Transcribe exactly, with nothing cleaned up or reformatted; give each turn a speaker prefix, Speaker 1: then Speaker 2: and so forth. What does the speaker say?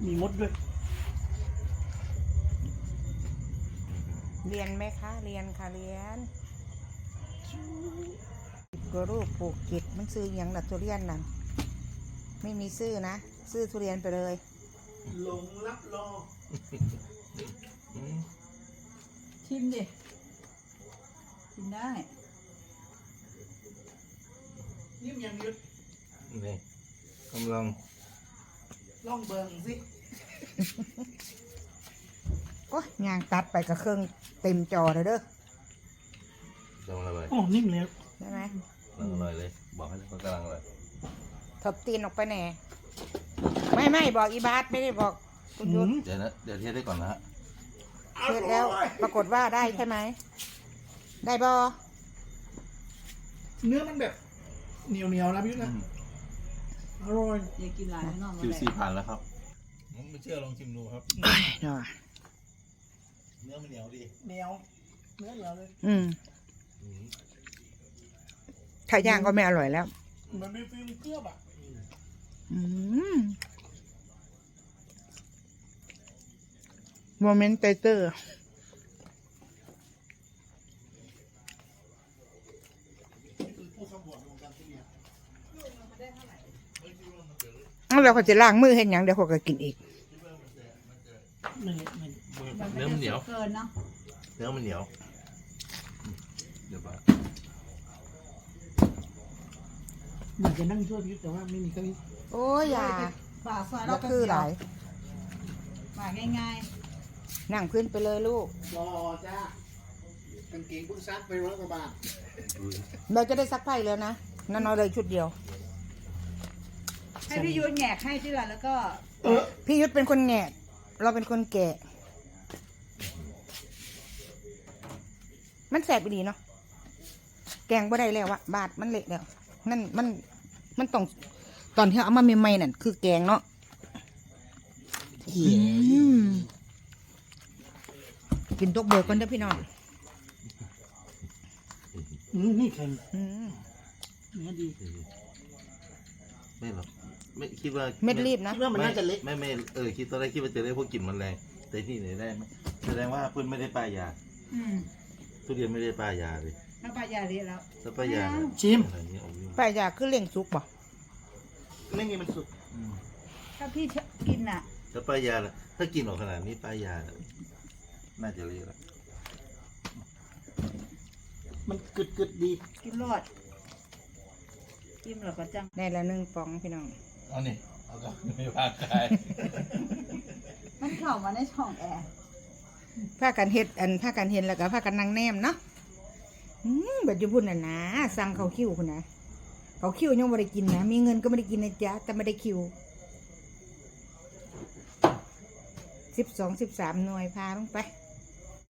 Speaker 1: มีมดด้วย
Speaker 2: เรียนไหมคะเรียนค่ะเรียนกรูปปลูกจิตมันซื้ออย่างดัดทุเรียนนั่นไม่มีซื้อนะซื้อทุเรียนไปเลย
Speaker 1: หลงรับรอ
Speaker 3: ชิมดิชิมได้
Speaker 1: ยิ้มยังยุด
Speaker 4: นี่กำลัง
Speaker 1: ล่องเบิงสิ
Speaker 2: โอ้ยยางตัดไปกับเครื่องเต็มจอเลยเด้อ
Speaker 4: กำลังอะไร
Speaker 1: โอ้นิ่มเลย
Speaker 2: ได้ไหม
Speaker 4: กำลังอะไรเลยบอกให้เขากำลังอะไร
Speaker 2: ถบตีนออกไปแน่ไม่ไม่บอกอีบาสไม่ได้บอกคุณยุทธ
Speaker 4: เดี๋ยวนะเดี๋ยวเทสได้ก่อนนะฮะ
Speaker 2: เทสแล้วปรากฏว่าได้ใช่ไหมได้บอ
Speaker 1: เนื้อมันแบบเหนียวเหนียวนะพี่นะอร่อย
Speaker 3: อยากกินหลายนอกมา
Speaker 4: คิว
Speaker 3: เลย
Speaker 4: ซีผ่านแล้วครับผมไม่เชื่อลองชิมดูครับ
Speaker 2: เนาะ
Speaker 4: เนื้อมันเหนียวดี
Speaker 1: เหนียวเนื้อเหนียวเลย
Speaker 2: อืมถ้าย่างก็ไม่อร่อยแล้ว
Speaker 1: มันมีฟิลเคลือบอ่ะ
Speaker 2: อืมโมเมนต์เตเตอร์เราก็จะล้างมือเห็นอย่างเดี๋ยวเขาก็กินอีก
Speaker 4: เนื้อมันเหนียว
Speaker 3: เกินเนาะ
Speaker 4: เนื้อมันเหนียวเดี๋ยวป่ะ
Speaker 1: อยากจะนั่งช่วยพี่แต่ว่าไม่มีเก้าอี้
Speaker 2: โอ้ยอย่า
Speaker 3: ฝาซอย
Speaker 2: แล้วคือหลาย
Speaker 3: ฝาง่าย
Speaker 2: ๆนั่งขึ้นไปเลยลูก
Speaker 1: รอจ้ากางเกงเพิ่งซักไปร้อยกว่าบาท
Speaker 2: เราจะได้ซักผ้าแล้วนะนั่นเอาเลยชุดเดียว
Speaker 3: ให้พี่ยุทธแงกให้ที่ละแล้วก็
Speaker 2: พี่ยุทธเป็นคนแงะเราเป็นคนแกะมันแสบดีเนาะแกงบ่ได้แล้วอะบาดมันเละแล้วนั่นมันมันต้องตอนที่เอามาใหม่ๆนั่นคือแกงเนาะกินตกเบิกกันเด้อพี่น้อง
Speaker 1: อืมนี่เค็ม
Speaker 2: เนื้
Speaker 1: อดี
Speaker 4: ไม่หรอกไม่คิดว่า
Speaker 2: เม็ดรีบนะ
Speaker 1: คิดว่ามันน่าจะเล็ก
Speaker 4: ไม่ไม่เออคิดตอนแรกคิดว่าจะได้พวกกลิ่นมันแรงแต่ที่ไหนได้ไหมแสดงว่าเพื่อนไม่ได้ป้ายยาทุเรียนไม่ได้ป้ายยาเลย
Speaker 3: ถ้าป้ายาเละแล้ว
Speaker 4: ถ้าป้ายา
Speaker 1: ชิม
Speaker 2: ป้ายาคือเลี้ยงสุกป่ะ
Speaker 1: ไม่มีมันสุก
Speaker 3: ถ้าพี่กินอ่ะ
Speaker 4: ถ้าป้ายาถ้ากินออกขนาดนี้ป้ายาน่าจะเละแล้ว
Speaker 1: มันกึดกึดดี
Speaker 3: กินรอดกินหรอก็จัง
Speaker 2: ได้ละหนึ่งฟองพี่น้อง
Speaker 4: เอานี่เอาก็ไม่พาใคร
Speaker 3: มันเข้ามาในช่องแอร์
Speaker 2: ผ้ากันเห็ดอันผ้ากันเห็นแล้วก็ผ้ากันนางแนมเนาะอืมแบบจะพูดน่ะนะสั่งเขาคิวคุณนะเขาคิวยังไม่ได้กินนะมีเงินก็ไม่ได้กินนะจ๊ะแต่ไม่ได้คิวสิบสองสิบสามหน่วยพาลงไป